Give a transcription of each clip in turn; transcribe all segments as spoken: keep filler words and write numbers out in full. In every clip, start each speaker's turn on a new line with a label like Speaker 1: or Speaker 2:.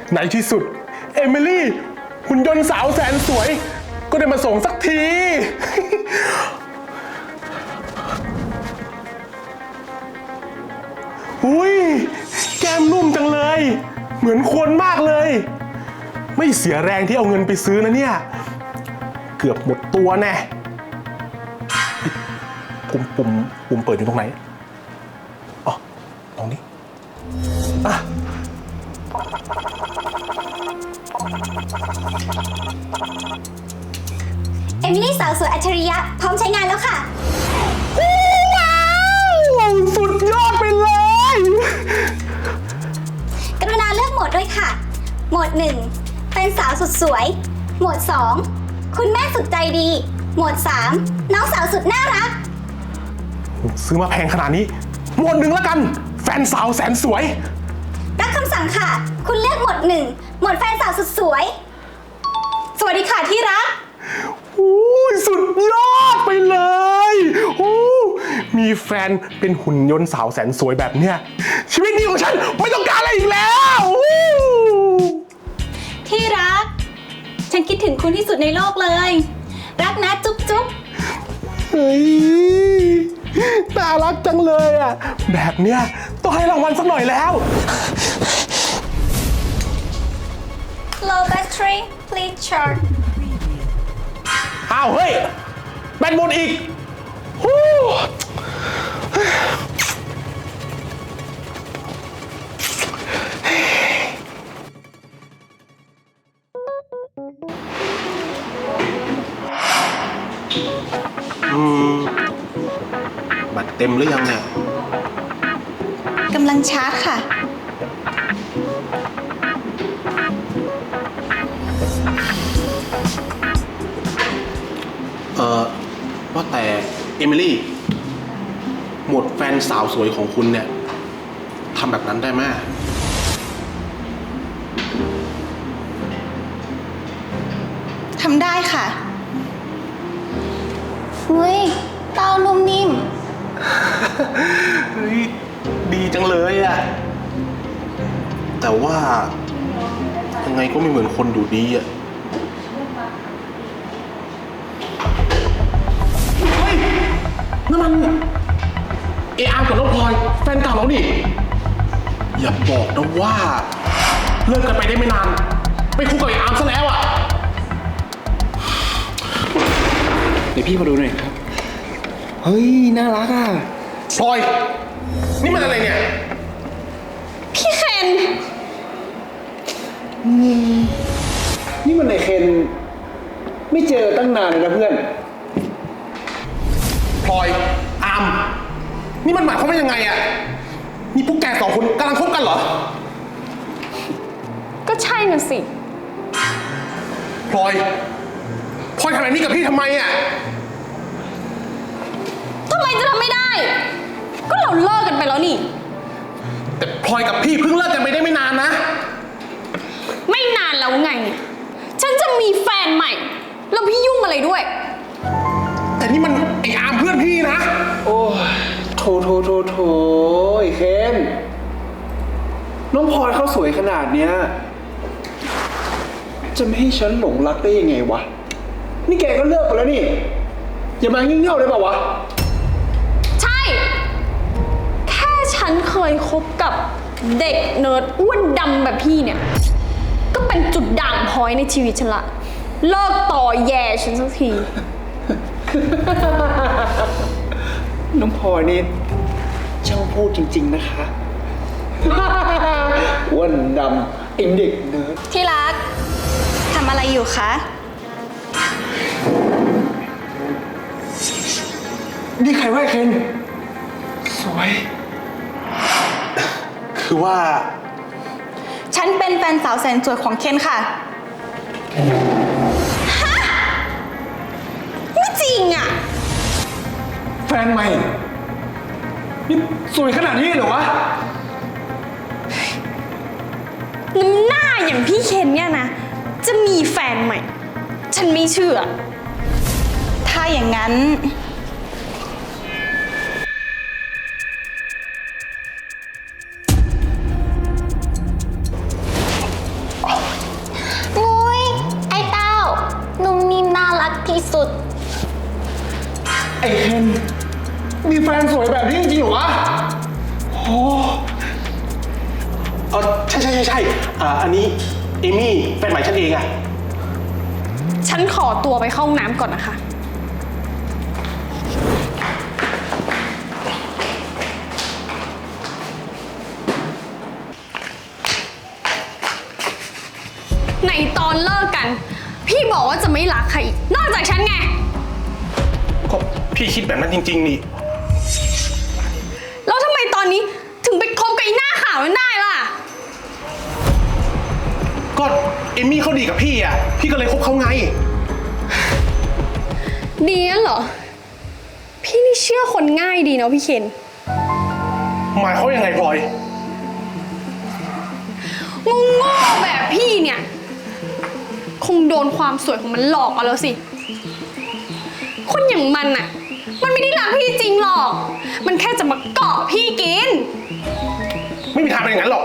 Speaker 1: ในที่สุดเอมิลี่หุ่นยนต์สาวแสนสวยก็ได้มาส่งสักที อุ้ยแก้มนุ่มจังเลยเหมือนคนมากเลยไม่เสียแรงที่เอาเงินไปซื้อนะเนี่ยเกือบหมดตัวแน่ปุ่มปุ่มปุ่มเปิดอยู่ตรงไหนอ๋อตรงนี้อ่ะ
Speaker 2: เอมิลี่สาวสวยอัจฉริยะพร้อมใช้งานแล้วค่ะ
Speaker 1: ว้าวสุดยอดไปเลย
Speaker 2: กรุณาเลือกโหมดด้วยค่ะโหมดหนึ่งเป็นสาวสุดสวยโหมดสองคุณแม่สุดใจดีโหมดสามน้องสาวสุดน่ารัก
Speaker 1: ซื้อมาแพงขนาดนี้โหมดหนึ่งแล้วกันแฟนสาวแสนสวย
Speaker 2: รับคำสั่งค่ะคุณเลือกโหมดหนึ่งโหมดแฟนสาวสุดสวยสวัสดีค่ะที่รัก
Speaker 1: อู้สุดยอดไปเลยอู้มีแฟนเป็นหุ่นยนต์สาวแสนสวยแบบเนี้ยชีวิตนี้ของฉันไม่ต้องการอะไรอีกแล้ว
Speaker 2: ที่รักฉันคิดถึงคุณที่สุดในโลกเลยรักนะจุ๊บจุ๊บ
Speaker 1: เฮ้ยน่ารักจังเลยอ่ะแบบเนี้ยต้องให้รางวัลสักหน่อยแล้ว
Speaker 2: Low battery please charge
Speaker 1: อ้าวเฮ้ยแบตหมดอีกฮู้อืมบัตรเต็มหรือยังเนี่ย
Speaker 2: กำลังชาร์จค่ะ
Speaker 1: เออว่าแต่เอมิลี่หมดแฟนสาวสวยของคุณเนี่ยทำแบบนั้นได้ไหม
Speaker 2: ทำได้ค่ะเฮ้ยเต้านุ่มนิ่ม
Speaker 1: เฮ้ยดีจังเลยอะแต่ว่ายังไงก็ไม่เหมือนคนดูดีอะเฮ้ยนั่นมันเออาร์กับน้องพลอยแฟนเก่าเราดิอย่าบอกนะว่าเลิกกันไปได้ไม่นานไปคุกกับเออาร์ซะแล้วอะ
Speaker 3: เดี๋ยวพี่มาดูหน่อยครับเฮ้ยน่ารักอ่ะ
Speaker 1: พลอยนี่มันอะไรเนี่ย
Speaker 2: พี่เคน
Speaker 3: นี่มันไอเคนไม่เจอตั้งนานเลยนะเพื่อน
Speaker 1: พลอยอามนี่มันหมายความว่ายังไงอะนี่พวกแกสองคนกำลังคบกันเหรอ
Speaker 4: ก็ใช่น่ะสิ
Speaker 1: พลอยพลอยทำแบบนี้กับพี่ทำไมอะ
Speaker 4: ทำไมจะทำไม่ได้ก็เราเลิกกันไปแล้วนี่
Speaker 1: แต่พลอยกับพี่เพิ่งเลิกกันไปได้ไม่นานนะ
Speaker 4: ไม่นานแล้วไงฉันจะมีแฟนใหม่แล้วพี่ยุ่งอะไรด้วย
Speaker 1: แต่นี่มันไอ้อามเพื่อนพี่นะ
Speaker 3: โอ้โถโถโถโถไอ้เคนน้องพลอยเขาสวยขนาดเนี้ยจะไม่ให้ฉันหลงรักได้ยังไงวะนี่แกก็เลิกไปแล้วนี่อย่ามางี่เง่าได้ป่าววะ
Speaker 4: ใช่แค่ฉันเคยคบกับเด็กเนิร์ดอ้วนดำแบบพี่เนี่ยก็เป็นจุดด่างพร้อยในชีวิตฉันละเลิกต่อแย่ฉันสักที
Speaker 3: น้องพลอยนี่ช่างพูดจริงๆนะคะ อ้วนดำไอเด็กเนิร์ด
Speaker 2: ที่รักทำอะไรอยู่คะ
Speaker 3: นี่ใครว่าเคนสวย
Speaker 1: คือว่า
Speaker 2: ฉันเป็นแฟนสาวแสนสวยของเคนค่ะฮะไม่จริงอ่ะ
Speaker 3: แฟนใหม่นี่สวยขนาดนี้เหรอวะ
Speaker 4: น้ำหน้าอย่างพี่เคนเนี่ยนะจะมีแฟนใหม่ฉันไม่เชื่อ
Speaker 2: ถ้าอย่างนั้น
Speaker 3: ไอ้เคนมีแฟนสวยแบบนี้จริงๆเหรอวะโอ้
Speaker 1: เออใช่ใช่ใช่ใช่อ่าอันนี้เอมี่แฟนใหม่ฉันเองอะ
Speaker 4: ฉันขอตัวไปเข้าห้องน้ำก่อนนะคะ ในตอนเลิกกัน พี่บอกว่าจะไม่รักใครอีกนอกจากฉันไง
Speaker 1: ก็พี่คิดแบบนั้นจริงๆนี่
Speaker 4: แล้วทำไมตอนนี้ถึงไปคบกับไอ้หน้าขาวนั้นได้ล่ะ
Speaker 1: ก็เอมี่เขาดีกับพี่อะพี่ก็เลยคบเขาไง
Speaker 4: ดีนั่นเหรอ พี่นี่เชื่อคนง่ายดีเนาะพี่เคน
Speaker 1: หมายเขามยังไงพลอย
Speaker 4: งงโง่แบบพี่เนี่ย คงโดนความสวยของมันหลอกเอาแล้วสิ คนอย่างมันอะมันไม่ได้รักพี่จริงหรอก มันแค่จะมาเกาะพี่กิน
Speaker 1: ไม่มีทางเป็นอย่างนั้นหรอก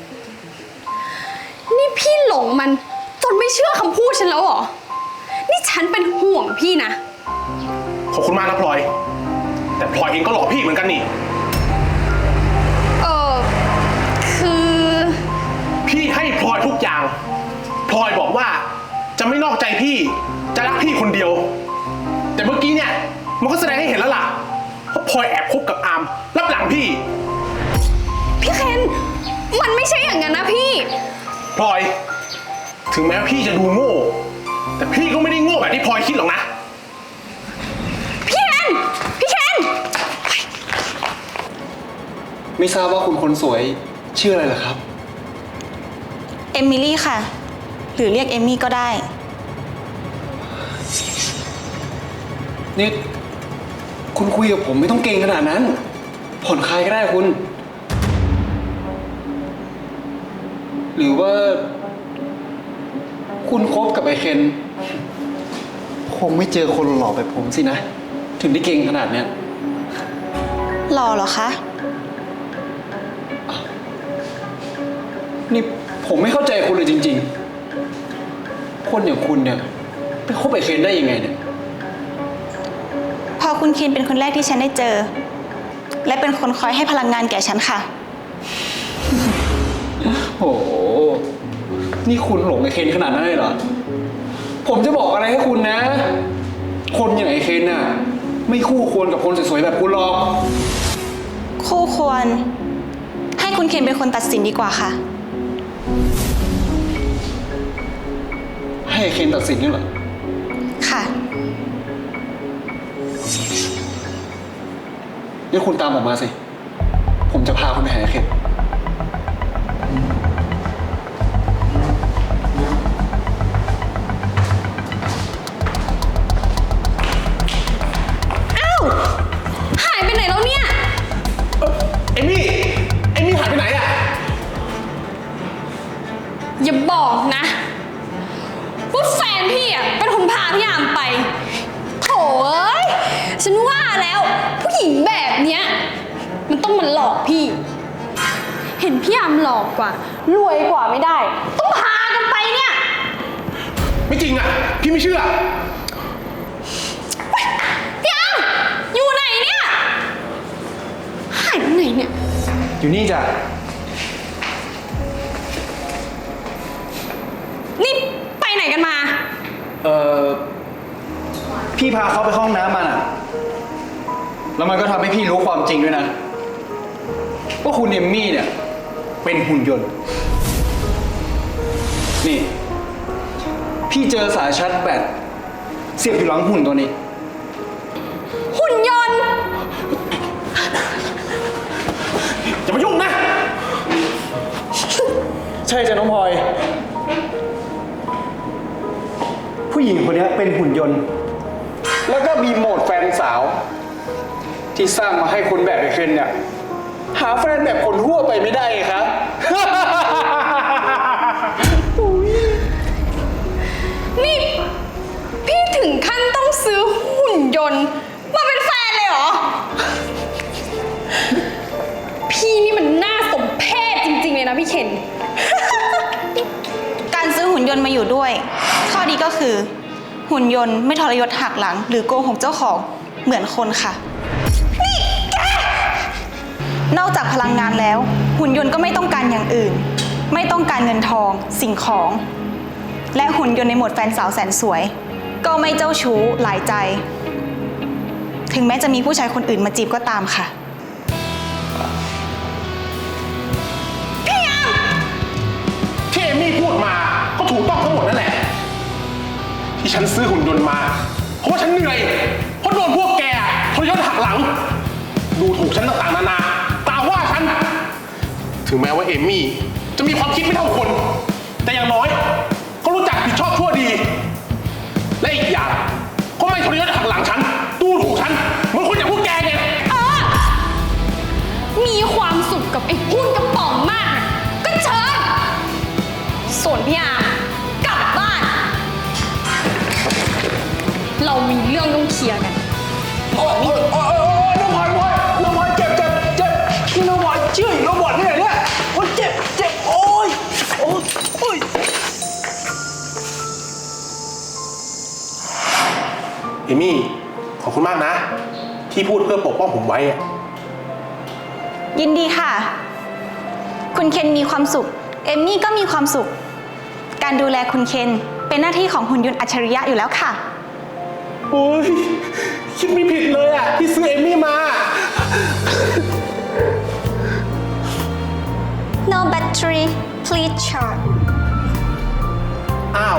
Speaker 4: นี่พี่หลงมันจนไม่เชื่อคำพูดฉันแล้วเหรอ นี่ฉันเป็นห่วงพี่นะ
Speaker 1: ขอบคุณมากนะพลอย แต่พลอยเองก็หลอกพี่เหมือนกันนี่
Speaker 4: เออคือ
Speaker 1: พี่ให้พลอยทุกอย่าง พลอยบอกว่าจะไม่นอกใจพี่ จะรักพี่คนเดียว แต่เมื่อกี้เนี่ยมันก็แสดงให้เห็นแล้วล่ะว่าพลอยแอบคบกับอามรับหลังพี่
Speaker 4: พี่เคนมันไม่ใช่อย่างนั้นนะพี่
Speaker 1: พลอย ถึงแม้ว่าพี่จะดูโง่ แต่พี่ก็ไม่ได้โง่แบบที่พลอยคิดหรอกนะ
Speaker 4: พี่เคนพี่เคน
Speaker 3: ไม่ทราบว่าคุณคนสวยชื่ออะไรเหรอครับ
Speaker 5: เอมิลี่ค่ะ หรือเรียกเอมี่ก็ได้
Speaker 3: นี่คุณคุยกับผมไม่ต้องเก่งขนาดนั้น ผ่อนคลายก็ได้คุณ หรือว่า คุณคบกับไอเคนคงไม่เจอคนหล่อแบบผมสินะ ถึงได้เก่งขนาดเนี้ย
Speaker 5: หล่อเหรอคะ
Speaker 3: นี่ผมไม่เข้าใจคุณเลยจริงๆ คนอย่างคุณเนี่ยไปคบไอเคนได้ยังไงเนี่ย
Speaker 5: พอคุณเคนเป็นคนแรกที่ฉันได้เจอ และเป็นคนคอยให้พลังงานแก่ฉันค่ะ
Speaker 3: โอ้โห นี่คุณหลงไอเคนขนาดนั้นเลยเหรอ ผมจะบอกอะไรให้คุณนะ คนอย่างไอเคนน่ะ ไม่คู่ควรกับคนสวยๆแบบคุณหรอก
Speaker 5: คู่ควร ให้คุณเคนเป็นคนตัดสินดีกว่าค่ะ
Speaker 3: ให้ไอเคนตัดสินนี่เหรอ
Speaker 5: ค่ะ
Speaker 3: งั้นคุณตามผมมาสิ ผมจะพาคุณไปหาไอเคน
Speaker 4: อ้าวหายไปไหนแล้วเนี่ย
Speaker 1: เอมี่ เอมี่หายไปไหนอะ
Speaker 4: อย่าบอกนะว่าแฟนพี่อ่ะเป็นคนพาพี่อามไปโถ่เอ้ยฉันว่าแล้วผู้หญิงแบบเนี้ยมันต้องมาหลอกพี่ เห็นพี่อามหลอกกว่ารวยกว่าไม่ได้ ต้องพากันไปเนี่ย
Speaker 1: ไม่จริงอะพี่ไม่เชื่อ
Speaker 4: พี่อามอยู่ไหนเนี่ยหายไปไหนเนี่ย
Speaker 3: อยู่นี่จ้ะ
Speaker 4: นี่ไปไหนกันมา
Speaker 3: เอ่อ พี่พาเขาไปห้องน้ำมาน่ะ แล้วมันก็ทำให้พี่รู้ความจริงด้วยนะ ว่าคุณเอมมี่เนี่ย เป็นหุ่นยนต์ นี่ พี่เจอสายชาร์จแบตเสียบอยู่หลังหุ่นตัวนี้
Speaker 4: หุ่นยนต์
Speaker 1: อย่ามายุ่งนะ
Speaker 3: ใช่จ้ะน้องพลอย ผู้หญิงคนนี้เป็นหุ่นยนต์ แล้วก็มีโหมดแฟนสาว ที่สร้างมาให้คนแบบไอเคนเนี่ย หาแฟนแบบคนทั่วไปไม่ได้ไงครับ
Speaker 4: นี่พี่ถึงขั้นต้องซื้อหุ่นยนต์มาเป็นแฟนเลยเหรอ พี่นี่มันน่าสมเพชจริงๆเลยนะพี่เคน
Speaker 5: การซื้อหุ่นยนต์มาอยู่ด้วย ข้อดีก็คือ หุ่นยนต์ไม่ทรยศหักหลัง หรือโกหกเจ้าของเหมือนคนค่ะ นี่แก นอกจากพลังงานแล้ว หุ่นยนต์ก็ไม่ต้องการอย่างอื่น ไม่ต้องการเงินทอง สิ่งของ และหุ่นยนต์ในโหมดแฟนสาวแสนสวย ก็ไม่เจ้าชู้หลายใจ ถึงแม้จะมีผู้ชายคนอื่นมาจีบก็ตามค่ะ
Speaker 1: ที่เอมี่พูดมาก็ถูกต้องทั้งหมดนั่นแหละ ที่ฉันซื้อหุ่นยนต์มา เพราะว่าฉันเหนื่อย เพราะโดนพวกแกทรยศหักหลัง ดูถูกฉันต่างๆนานาตาว่าฉัน ถึงแม้ว่าเอมี่จะมีความคิดไม่เท่าคน แต่อย่างน้อยก็รู้จักผิดชอบชั่วดี และอีกอย่างก็ไม่ทรยศหักหลังฉัน ดูถูกฉันเหมือนคนอย่างพวกแกไง
Speaker 4: เออ มีความสุขกับไอ้หุ้นกระป๋องมากน่ะก็เชิญ ส่วนพี่อาร์มกลับบ้าน เรามีเรื่องต้องเคลียร์กัน
Speaker 3: โอ้ยโอ้ยโอ้ยน้องพลอยน้องพลอยเจ็บเจ็บเจ็บนี่น้องพลอยเชื่อน้องบอดที่ไหนเนี่ยโอ้ยเจ็บเจ็บโอ้ยโอ้ยโอ้ย
Speaker 1: เอมี่ขอบคุณมากนะ ที่พูดเพื่อปกป้องผมไว้อะ
Speaker 5: ยินดีค่ะ คุณเคนมีความสุข เอมมี่ก็มีความสุข การดูแลคุณเคนเป็นหน้าที่ของหุ่นยนต์อัจฉริยะอยู่แล้วค่ะ
Speaker 1: โอ้ยคิดไม่ผิดเลยอ่ะที่ซื้อเอมี่มา
Speaker 2: No battery please charge
Speaker 1: อ้าว